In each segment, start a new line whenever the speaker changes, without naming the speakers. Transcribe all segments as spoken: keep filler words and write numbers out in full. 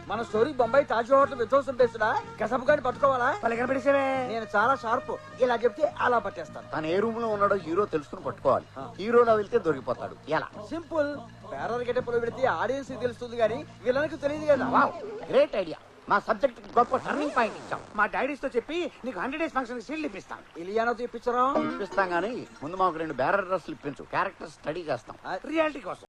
మన story Bombay Taj hotel విధ్వంసం పేస్తున్నా కసపు గాని పట్టుకోవాలా?
పడిసేవే
నేను చాలా షార్ప్, ఇలా చెప్తే అలా పట్టేస్తాను.
తను ఏ రూమ్ లో ఉన్నాడో హీరో తెలుసుకుని పట్టుకోవాలి. హీరోలో వెళ్తే దొరికిపోతాడు. ఎలా?
సింపుల్. పేరర్ గెటప్లో పెడితే ఆడియన్స్ తెలుస్తుంది కానీ విలన్కి తెలియదు కదా.
Wow, great idea. మా సబ్జెక్ట్ గొప్ప టర్నింగ్ పాయింట్ ఇచ్చాం.
మా డాడీస్ తో చెప్పి నీకు హండ్రెడ్ డేస్ ఫంక్షన్ సీల్ ఇప్పిస్తాం.
ఇలియానోతో ఇప్పించరా?
ఇప్పిస్తాం గానీ ముందు మాకు రెండు బ్యారర్ డ్రెస్లు ఇప్పించు. క్యారెక్టర్ స్టడీ చేస్తాం.
రియాలిటీ కోసం.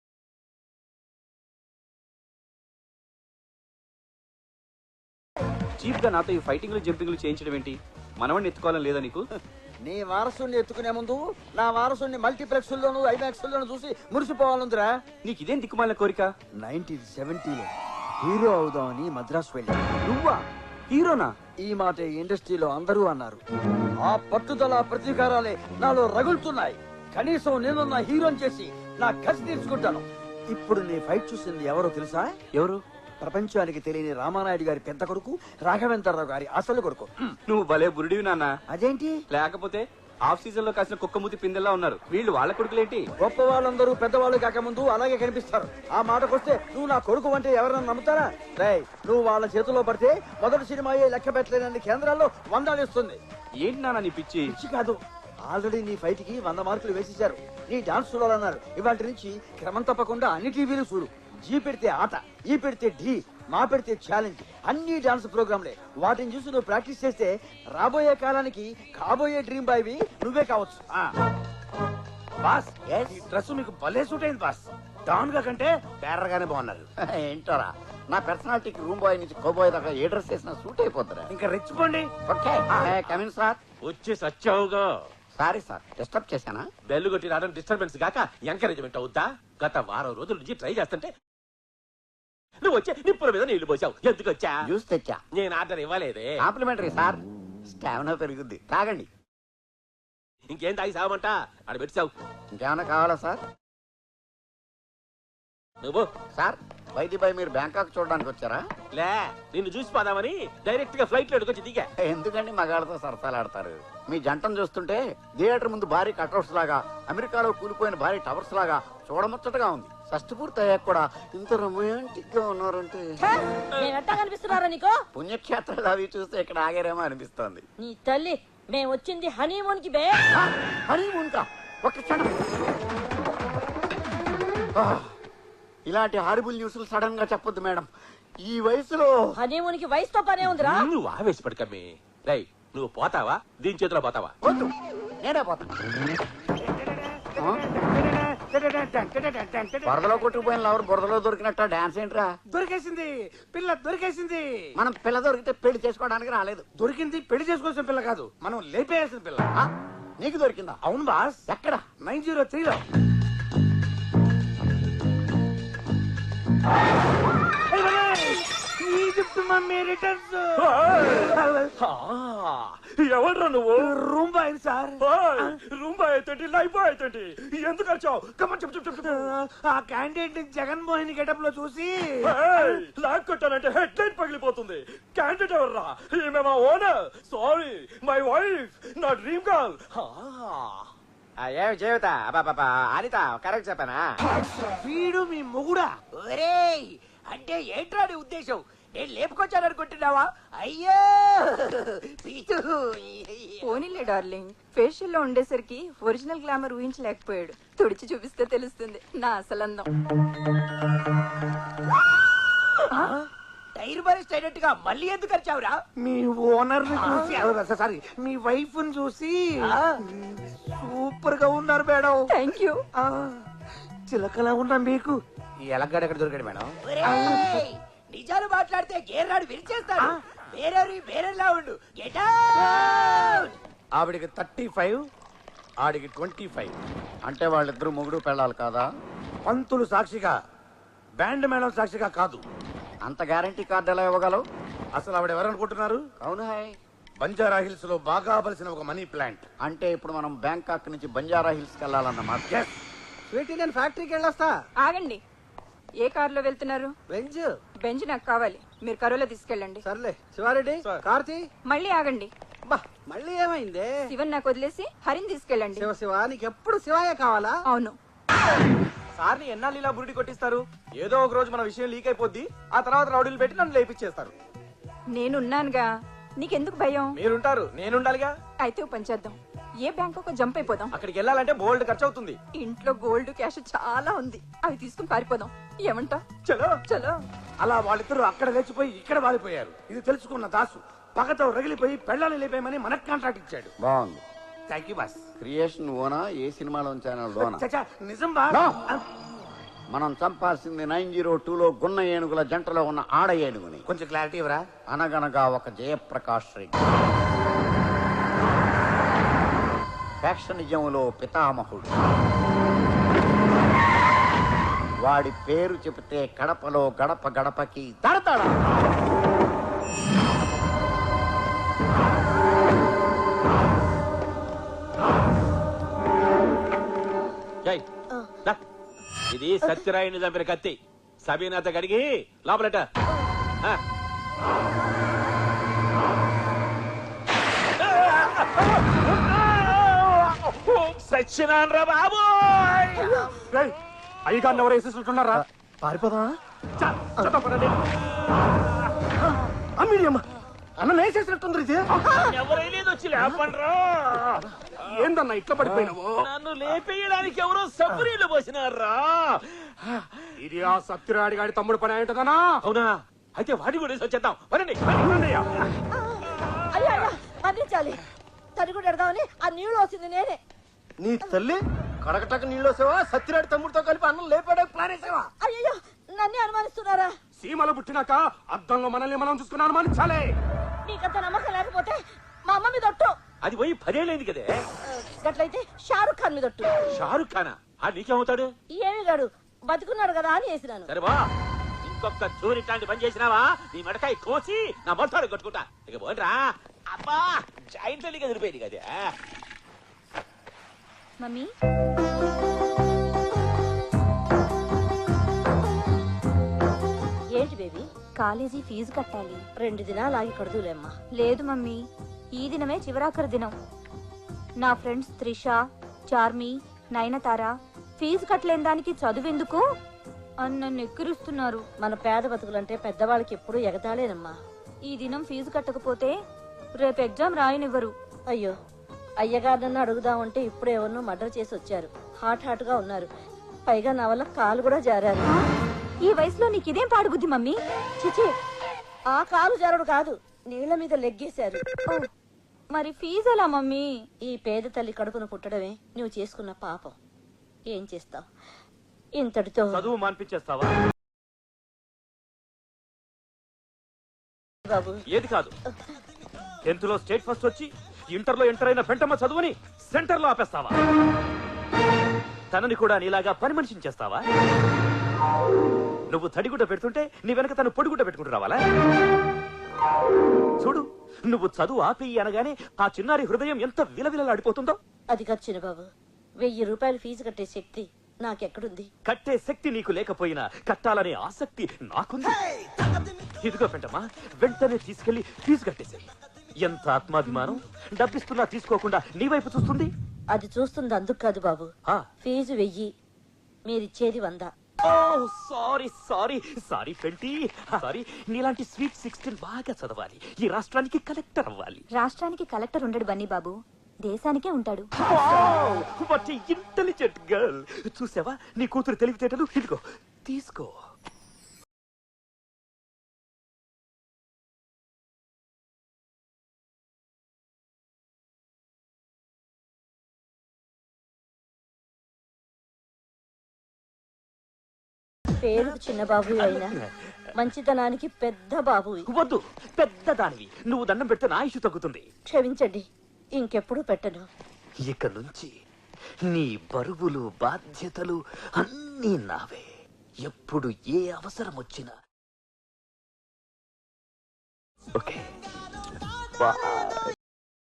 చీప్ గా నాతో ఈ ఫైటింగ్లు జంపింగ్లు చేయించడం ఏంటి? మనవాడిని ఎత్తుకోవాలని లేదా నీకు?
నీ వారసుని ఎత్తుకునే ముందు నా వారసుని మల్టీప్లెక్స్ లోను ఐమాక్స్ లోను చూసి మురిసిపోవాలందిరా.
నీకు ఇదేం దిక్కుమాలిన కోరిక?
నైన్టీన్ సెవెంటీలో హీరో అవుదామని మద్రాసు వెళ్ళా.
నువ్వా హీరోనా?
ఈ మాట ఇండస్ట్రీలో అందరూ అన్నారు. ఆ పట్టుదల ప్రతీకారాలే నాలో రగులుతున్నాయి. కనీసం నేనున్న హీరోని చేసి నా కసి తీర్చుకుంటాను. ఇప్పుడు నీ ఫైట్ చూసింది ఎవరో తెలుసా?
ఎవరు?
ప్రపంచానికి తెలియని రామానాయుడు గారి పెద్ద కొడుకు, రాఘవేంద్రరావు గారి అసలు కొడుకు.
నువ్వు భలే బురుడివి నాన్న.
అదేంటి?
లేకపోతే ఆఫ్ సీజన్ లో కాసిన కుక్కమూతి పిందెల్లా ఉన్నారు వీళ్ళు. వాళ్ళ కొడుకులేంటి?
గొప్ప వాళ్ళందరూ పెద్దవాళ్ళు కాకముందు అలాగే కనిపిస్తారు. ఆ మాటకొస్తే నువ్వు నా కొడుకు అంటే ఎవరన్నా నమ్ముతారా? రేయ్, నువ్వు వాళ్ళ చేతిలో పడితే మొదటి సినిమా లెక్క పెట్టలేనన్ని కేంద్రాల్లో వందాలిస్తుంది.
ఏంటి నాన్న నీ పిచ్చి?
పిచ్చి కాదు, ఆల్రెడీ నీ ఫైట్ కి వంద మార్కులు వేసేశారు. నీ డాన్స్ చూడాలన్నారు. ఇవాటి నుంచి క్రమం తప్పకుండా అన్ని టీవీలు చూడు. జీ పెడితే ఆట, ఈ పెడితే ఢీ, మా పెడితే ఛాలెంజ్, అన్ని డాన్స్ ప్రోగ్రాంలే. వాటిని చూసి నువ్వు ప్రాక్టీస్ చేస్తే రాబోయే కాలానికి కాబోయే డ్రీమ్ బాయ్వి నువ్వే కావచ్చు.
బాస్, ఈ డ్రెస్ మీకు భలే సూట్ అయింది బాస్. డాన్ గా కంటే బేరర్ గానే బాగున్నారు.
ఏంటోరా, నా పర్సనాలిటీకి రూమ్ బాయ్ నుంచి కోబాయ్ దాకా ఏ డ్రెస్ వేసినా సూట్ అయిపోతారా?
ఇంకా రెచ్చిపోండి.
Okay, come in sir.
వచ్చి సచ్చావుగా.
సారీ సార్, డిస్టర్బ్ చేశానా?
బెల్లు కొట్టి రావడం డిస్టర్బెన్స్ గాక ఎంకరేజ్మెంట్ అవుద్దా? గత వారం రోజుల నుంచి ట్రై చేస్తుంటే నువ్వు వచ్చే నిప్పుల మీద నీళ్లు పోసావు. ఎందుకు వచ్చా?
జ్యూస్ తెచ్చా.
నేను ఆర్డర్ ఇవ్వలేదే.
కాంప్లిమెంటరీ సార్, స్టామినా పెరుగుద్ది. తాగండి.
ఇంకేం తాగి సావమంట? ఆడ పెట్టావు.
ఇంకేమైనా కావాలా సార్?
నువ్వు
సార్, వైద్యబాయ్ మీరు బ్యాంకాక్ చూడడానికి వచ్చారా?
లే, నిన్ను చూసి పోదామని డైరెక్ట్ గా ఫ్లైట్ లో ఎడుకొచ్చి దిగా.
ఎందుకండి మగాళ్ళతో సరసాలాడతారు? మీ జంటను చూస్తుంటే థియేటర్ ముందు భారీ కట్అవుట్స్ లాగా, అమెరికాలో కూలిపోయిన భారీ టవర్స్ లాగా చూడముచ్చటగా ఉంది. షష్టి పూర్తి అయ్యాక కూడా ఇంత రొమాంటిక్ గా ఉన్నారంటే
కనిపిస్తున్నారా నీకు?
పుణ్యక్షేత్రాలు అవి చూస్తే ఇక్కడ ఆగారేమో అనిపిస్తోంది.
నీ తల్లి, మేము వచ్చింది హనీమూన్ కి బే.
హనీమూన్ కా? ఒక క్షణం. ఇలాంటి హారిబుల్ న్యూస్లు సడన్ గా చెప్పొద్దు మేడం. ఈ వయసులో
హనీమూన్ కి వయసుతో పనే ఉందిరా.
నువ్వు ఆవేశపడకమ్మి. రై, నువ్వు పోతావా? దీని చేతిలో పోతావా?
వద్దు, నేనే పోతాను. బురదలో కొట్టుకుపోయిన లవర్ బురదలో దొరికినట్ట డాన్స్ ఏంట్రా?
దొరికేసింది పిల్ల, దొరికేసింది.
మనం పిల్ల దొరికితే పెళ్లి చేసుకోవడానికి రాలేదు.
దొరికింది పెళ్లి చేసుకోవాల్సిన పిల్ల కాదు, మనం లేపేయాల్సిన పిల్ల.
ఆ, నీకు దొరికిందా?
అవును బాస్.
ఎక్కడ?
నైన్ జీరో త్రీలో. Egypt mummy returns.
ఎవడ్రా నువ్వు?
Room boy sir.
Room boy అయితే లైఫ్ బాయ్ అయితే ఎందుకు వచ్చావు? కమన్ చెప్పు చెప్పు చెప్పు.
ఆ క్యాండిడేట్ జగన్మోహన్ గెటప్ లో చూసి
లాక్ కొట్టానంటే హెడ్ లైట్ పగిలిపోతుంది. క్యాండిడేట్ ఎవర్రా? ఈమె మా ఓనర్. సారీ, మై వైఫ్, నా డ్రీమ్ గర్ల్.
ఏమి జీవిత అనిత కరెక్ట్ చెప్పానా?
వీడు మీ మొగుడా?
ఒరేయ్, అంటే ఏంట్రా నీ ఉద్దేశం? నేను లేపుకొచ్చాననుకుంటున్నావా? అయ్యో
పోనీలే డార్లింగ్, ఫేషియల్ లో ఉండేసరికి ఒరిజినల్ గ్లామర్ ఊహించలేకపోయాడు. తుడిచి చూపిస్తే తెలుస్తుంది నా అసలందం.
టైర్ బరిస్ట్ అయినట్టుగా మళ్ళీ ఎందుకు వచ్చావురా?
మీ ఓనర్ చూసి, సారీ మీ వైఫ్ చూసి సూపర్ గా ఉన్నారు మేడం.
Thank you.
చిలకలా ఉన్నా మీకు
ఎలగడ ఎక్కడ దొరికాడు మేడం? నిజాలు మాట్లాడితే గేర్రాడు విరిచేస్తాడు. వేరే వేరేలా ఉండు. Get out.
ఆవిడికి థర్టీ ఫైవ్, ఆడికి ట్వంటీ ఫైవ్. అంటే వాళ్ళిద్దరు మొగుడు పెళ్ళాలి కాదా?
పంతులు సాక్షిగా, బ్యాండ్ మేడం సాక్షిగా కాదు.
అంత గ్యారంటీ కార్డు ఎలా ఇవ్వగలవు?
అసలు ఆవిడ ఎవరనుకుంటున్నారు?
అవును హాయ్,
బంజారా హిల్స్ లో బాగా బలిసిన ఒక మనీ ప్లాంట్.
అంటే ఇప్పుడు మనం బ్యాంకాక్ నుంచి బంజారా హిల్స్ కి వెళ్ళాలన్నమాట.
స్వీట్ ఇండియన్ ఫ్యాక్టరీకి వెళ్ళొస్తా.
ఆగండి, ఏ కారులో వెళ్తున్నారు?
బెంజ్.
బెంజ్ నాకు కావాలి, మీరు కరోలో తీసుకెళ్ళండి.
సర్లే. శివారెడ్డి, కార్తీ.
మళ్ళీ ఆగండి.
బా, మళ్ళీ ఏమైంది?
శివన్ నాకు వదిలేసి హరిని తీసుకెళ్ళండి.
శివ శివ, నీకు ఎప్పుడు శివాయే కావాలా?
అవును.
సార్ని ఎన్నాళ్ళు ఇలా బురిడి కొట్టిస్తారు? ఏదో ఒక రోజు మన విషయం లీక్ అయిపోద్ది, ఆ తర్వాత రౌడీలు పెట్టి నన్ను లేపిచ్చేస్తారు.
నేనున్నానుగా, నీకెందుకు భయం?
మీరుంటారు, నేనుండాలిగా.
అయితే ఓ పని చేద్దాం, ఏ బ్యాంక్ ఒక జంప్ అయిపోదాం.
అక్కడికి వెళ్ళాలంటే బోల్డ్ ఖర్చు అవుతుంది.
ఇంట్లో గోల్డ్ క్యాష్ చాలా ఉంది, అవి తీసుకుని పారిపోదాం. ఏమంటా?
చలో
చలో.
అలా వాళ్ళిద్దరూ అక్కడ లేచిపోయి ఇక్కడ వాలిపోయారు. ఇది తెలుసుకున్న దాసు పగతో రగిలిపోయి పెళ్ళాన్ని లేపేయమని మనకు కాంట్రాక్ట్ ఇచ్చాడు.
బాగుంది.
Thank you boss.
క్రియేషన్ ఓనా, ఏ సినిమాలో లోనా?
చచ్చా, నిజం బా.
No. మనం చంపాల్సింది నైన్ జీరో టూలో గున్న ఏనుగుల జంటలో ఉన్న ఆడ ఏనుగుని.
కొంచెం క్లారిటీ ఇవ్వరా?
అనగనగా ఒక జయప్రకాష్ రెడ్డి, ఫ్యాక్షనిజంలో పితామహుడు. వాడి పేరు చెబితే కడపలో గడప గడపకి తడతాడా.
ఇది సత్యరాయుని చంపిన కత్తి. సబీనాథ గడిగి లోపలట. సత్యనారాయణ బాబు
అయ్యగారిని ఎవరు వేసేసినట్టున్నారా?
పారిపోదా?
అన్న వేసేసినట్టుంది. ఇది
ఎవరైనా వచ్చి లేపండ్రా.
ఏందన్నా ఇట్లా పడిపోయినావు?
నన్ను లేపేయడానికి ఎవరో సబ్బురీలు పోసినారా?
ఇది ఆ సత్యరాడి గారి తమ్ముడు పని అయింటదనా?
అవునా? అయితే వాడి కూడా వచ్చేద్దాం. వరండి.
అయ్యా అయ్యా, అందించాలి. తడి కూడా ఎడదామని ఆ నీళ్ళు వచ్చింది నేనే.
నీ తల్లి కడకటక నీళ్ళు సేవా సత్యరాడి తమ్ముడితో కలిపి అన్నం లేపాడానికి ప్లాన్ వేసావా?
అయ్యో, నన్నే అనుమానిస్తున్నారా?
సీమలో పుట్టినాక అద్దంలో మనల్ని మనం చూసుకుని అనుమానించాలే.
నీకంత నమ్మకం లేకపోతే మా అమ్మ మీద ఒట్టు.
అది పోయి పదేళ్ళైంది కదే.
గట్లయితే షారుఖ్ ఖాన్ మీద ఒట్టు.
షారుఖ్ ఖానా? ఆ నీకేమవుతాడు?
ఏమి గాడు బతుకున్నాడు కదా అని వేసినాను.
సరే బా, ఇంకొక చూరి ఇట్లాంటి పని చేసినావా నీ మెడకాయ కోసి నా మొత్తాడు కొట్టుకుంటా. ఇక పోండ్రా. అబ్బా, జాయింట్ లీగ్ ఎదిరిపోయింది కదా.
మమ్మీ,
ఏంటి బేబీ?
కాలేజీ ఫీజు కట్టాలి.
రెండు దినాలు ఆగి కడుదులేమ్మా.
లేదు మమ్మీ, ఈ దినమే చివరాఖరి దినం. నా ఫ్రెండ్స్ త్రిష, చార్మి, నయనతార ఫీజు కట్టలేని దానికి చదువెందుకు అని నన్ను ఎక్కిరిస్తున్నారు.
మన పేద బతుకులంటే పెద్దవాళ్ళకి ఎప్పుడూ ఎగతాళేనమ్మా.
ఈ దినం ఫీజు కట్టకపోతే రేపు ఎగ్జామ్ రాయనివ్వరు.
అయ్యో, అయ్యగారినన్ను అడుగుదామంటే ఇప్పుడు ఎవరినో మర్డర్ చేసి వచ్చారు. హాట్ హాట్ గా ఉన్నారు. పైగా నా వల్ల కాలు కూడా జారారు.
ఈ వయసులో నీకిదేం పాడుబుద్ధి మమ్మీ?
చిచి, ఆ కాలు జారుడు కాదు, నీళ్ల మీద లెగ్గేశారు.
ఓ, మరి ఫీజు ఎలా మమ్మీ?
ఈ పేద తల్లి కడుపును పుట్టడమే నువ్వు చేసుకున్న పాపం. ఏం చేస్తావు? ఇంతటితో
చదువు మాన్పించేస్తావా?
బాబు,
ఏది కాదు, టెన్త్ లో స్టేట్ ఫస్ట్ వచ్చి ఇంటర్ లో ఎంటర్ అయిన పెంటమ్మ చదువుని సెంటర్ లో ఆపేస్తావా? తనని కూడా నీలాగా పని మనిషిని చేస్తావా? నువ్వు తడిగుడ్డ పెడుతుంటే నీ వెనక తను పొడిగుడ్డ పెట్టుకుంటూ రావాలా? చూడు, నువ్వు చదువు ఆపేయి అనగానే ఆ చిన్నారి హృదయం ఎంత విలవిలలాడిపోతుందో.
అది కాదు చిన్నబాబు, వెయ్యి రూపాయలు ఫీజు కట్టే శక్తి నాకెక్కడుంది?
కట్టే శక్తి నీకు లేకపోయినా కట్టాలనే ఆసక్తి నాకుంది. ఇదిగో పెంటమ్మా, వెంటనే తీసుకెళ్లి ఫీజు కట్టేశాయి. ఎంత ఆత్మాభిమానం! డబ్బిస్తున్నా తీసుకోకుండా నీ వైపు చూస్తుంది.
అది చూస్తుంది అందుకు కాదు బాబు,
ఆ.
ఫీజు వెయ్యి, మీరిచ్చేది వంద.
Sorry sorry sorry Penti sorry. నీలాంటి స్వీట్ సిక్స్టీన్ బాగా చదవాలి, ఈ రాష్ట్రానికి కలెక్టర్ అవ్వాలి.
రాష్ట్రానికి కలెక్టర్ ఉండడు బన్నీ బాబు, దేశానికే ఉంటాడు.
What intelligent girl. చూసావా నీ కూతురు తెలివితేటలు? ఇదిగో తీసుకో.
పేరు చిన్న బాబు అయినా మంచితనానికి పెద్ద బాబు.
వద్దు, పెద్ద దానివి. నువ్వు దండం పెడితే నా ఇష్యూ తగ్గుతుంది.
క్షమించండి, ఇంకెప్పుడు పెట్టను.
ఇక నుంచి నీ బరువులు బాధ్యతలు అన్నీ నావే. ఎప్పుడు ఏ అవసరం వచ్చినా. Okay, bye.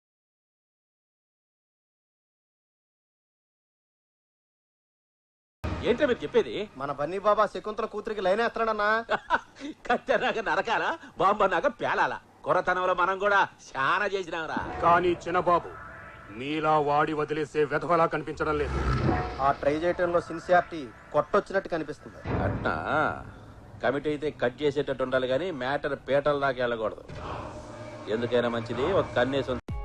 ఏంటో మీరు చెప్పేది?
మన బన్నీ బాబా శకుంతల కూతురికి లైన్ వేస్తున్నాడన్నా.
కత్తెనాక నరకాల, బాంబన్నాక పేలాల. కొరతనంలో మనం కూడా చాలా చేసినాంరా.
కానీ చిన్నబాబు,
మీలా వాడి వదిలేసే వెధవలా కనిపించడం లేదు.
ఆ ట్రై చేయటంలో సిన్సియారిటీ కొట్టొచ్చినట్టు కనిపిస్తుంది.
అట్నా కమిటీ అయితే కట్ చేసేటట్టు ఉండాలి కానీ మ్యాటర్ పీటల దాకా వెళ్ళకూడదు. ఎందుకైనా మంచిది ఒక కన్నేసి